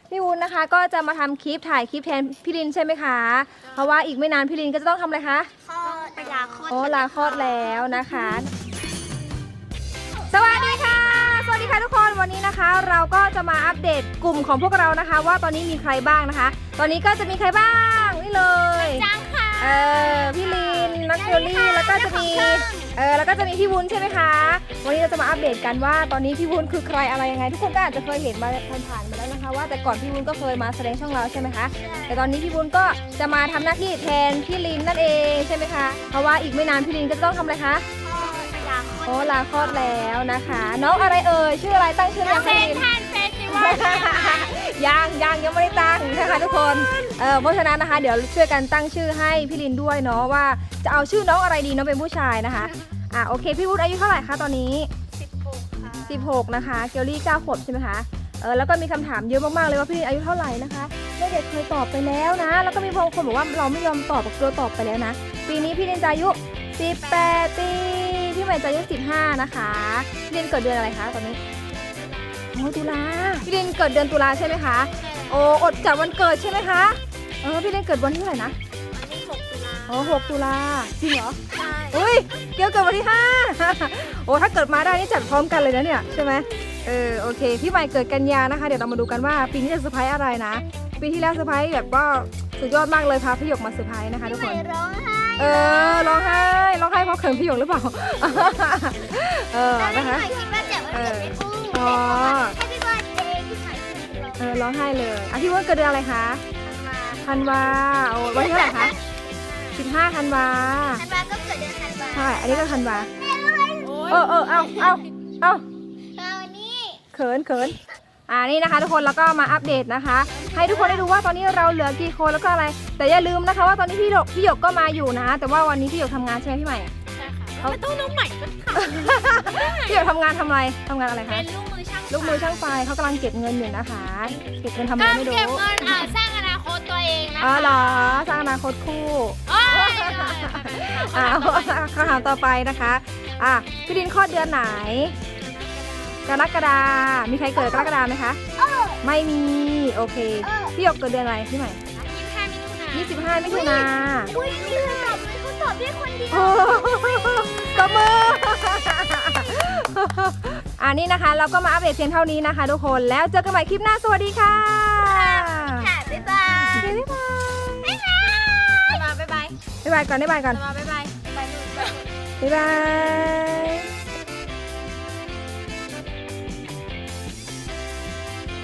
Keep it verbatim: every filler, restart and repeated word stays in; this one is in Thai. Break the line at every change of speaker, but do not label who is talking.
พี่วุ้นนะคะก็จะมาทำคลิปถ่ายคลิปแทนพี่ลินใช่ไหมคะเพราะว่าอีกไม่นานพี่ลินก็จะต้องทำอะไรคะ
คลอดไปลาคลอด
โอ้ลาคลอดแล้วนะคะสวัสดีค่ะสวัสดีค่ะทุกคนวันนี้นะคะ เราก็จะมาอัปเดตกลุ่มของพวกเรานะคะ ว่าตอนนี้มีใครบ้างนะคะ ตอนนี้ก็จะมีใครบ้างนี่เลย
จังค่ะ
เออพี่ลินนักเกลลี่แล้วก็จะมีเออแล้วก็จะมีพี่วุ้นใช่ไหมคะวันนี้เราจะมาอัปเดตกันว่าตอนนี้พี่วุ้นคือใครอะไรยังไงทุกคนก็อาจจะเคยเห็นมาผ่านๆมาแล้วนะคะว่าแต่ก่อนพี่วุ้นก็เคยมาแสดงช่องเราใช่ไหมคะแต่ตอนนี้พี่วุ้นก็จะมาทำหน้าที่แทนพี่ลินนั่นเองใช่ไหมคะเพราะว่าอีกไม่นานพี่ลินก็จะต้องทำอะไรคะโอ้ลาคลอดแล้วนะคะน้องอะไรเอ่ยชื่ออะไรตั้งชื่อยัง
เซนทันเฟสติวัล
ยังยังยังไม่ได้ตั้งนะคะทุกคนเออเพราะฉะนั้นนะคะเดี๋ยวช่วยกันตั้งชื่อให้พี่ลินด้วยเนาะว่าจะเอาชื่อน้องอะไรดีน้องเป็นผู้ชายนะคะอ่ะโอเคพี่วุฒิอายุเท่าไหร่คะตอนนี้
สิบหกค่ะ
สิบหกนะคะเกลลี่เก้าขวบใช่ไหมคะเออแล้วก็มีคำถามเยอะมากๆเลยว่าพี่ลินอายุเท่าไหร่นะคะเด็กเคยตอบไปแล้วนะแล้วก็มีบางคนบอกว่าเราไม่ยอมตอบเราตอบไปแล้วนะปีนี้พี่ลินจะอายุสิบแปดปีพี่ใหม่จะอายุสิบห้านะคะพี่ลินเกิดเดือนอะไรคะตอนนี้โอ้ตุลาพี่ลินเกิดเดือนตุลาใช่ไหมคะโอ้อดจัดวันเกิดใช่ไหมคะเออพี่ลินเกิดวันที่เท่าไหร่นะ
วันที่หกตุลา
อ๋อหกตุลาจริงเหรอ
ใช่
อุ้ยเกลเกิดวันที่ห้าโอ้ถ้าเกิดมาได้นี่จัดพร้อมกันเลยนะเนี่ยใช่ไหมเออโอเคพี่ใหม่เกิดกันยานะคะเดี๋ยวเรามาดูกันว่าปีนี้จะเซอร์ไพรส์อะไรนะปีที่แล้วเซอร์ไพรส์แบบก็สุดยอดมากเลยพาพี่หยกมาเซอร์ไพรส์นะคะทุกคน
ร้องไห้
เออร้องไห้ร้องไห้เพราะเขินพี่หยกหรือเปล่าเออนะคะ
คิดว่าจะวันเกิดไม่พูด
อ๋อ
ให้พี่วันเองที่ถ่าย
เออร้องไห้เลยอ่ะพี่ว่าเกิดเดือนอะไรคะธันวาโอ้วันที่เท่าไหร่คะสิบห้าธันวา
ธันวาก็เกิดเดือนธันวา
ใช่อันนี้ก็ธันวาเออเออเอาเอาเอา
วันนี้
เขินเขินอ่านี่นะคะทุกคนแล้วก็มาอัปเดตนะคะให้ทุกคนได้ดูว่าตอนนี้เราเหลือกี่คนแล้วก็อะไรแต่อย่าลืมนะคะว่าตอนนี้พี่หยกพี่หยกก็มาอยู่นะแต่ว่าวันนี้พี่หยกทำงานใช่ไหมพี่ใหม่
ใช่ค่ะเขาต้องน้องใหม่ก็ค่ะ
พี่หยกทำงานทำอะไรทำงานอะไรคะ
เป็นลูกมือช่าง
ลูกมือช่างไฟเขากำลังเก็บเงินอยู่นะคะเก็บเงินทำอะไรไม่รู้
เก็บเงินอ่าสร้างอนาคตตัวเองนะคะ
อ๋อเหรอสร้างอนาคตคู่อ่าคำถามต่อไปนะคะอ่ะพี่ดินคลอดเดือนไหนกรกฎามีใครเกิดกรกฎาไหมคะไม่มีโอเคพี่หยกเกิดเดือนอะไรพี่ใหม่ยี่สิบห้ามิถุนา
อุ้ยนี่เขาตอบเขาตอบได้คนเดียว
ตบมืออ่านี่นะคะเราก็มาอัปเดตเพียงเท่านี้นะคะทุกคนแล้วเจอกันใหม่คลิปหน้าสวัสดีค่ะ
ค่ะบ๊ายบาย
บ๊ายบาย
บ๊ายบายบ๊ายบาย
บ๊ายบายก่อนบ๊ายบายก่อน
บ๊ายบายบ๊ายบาย
บ๊ายบาย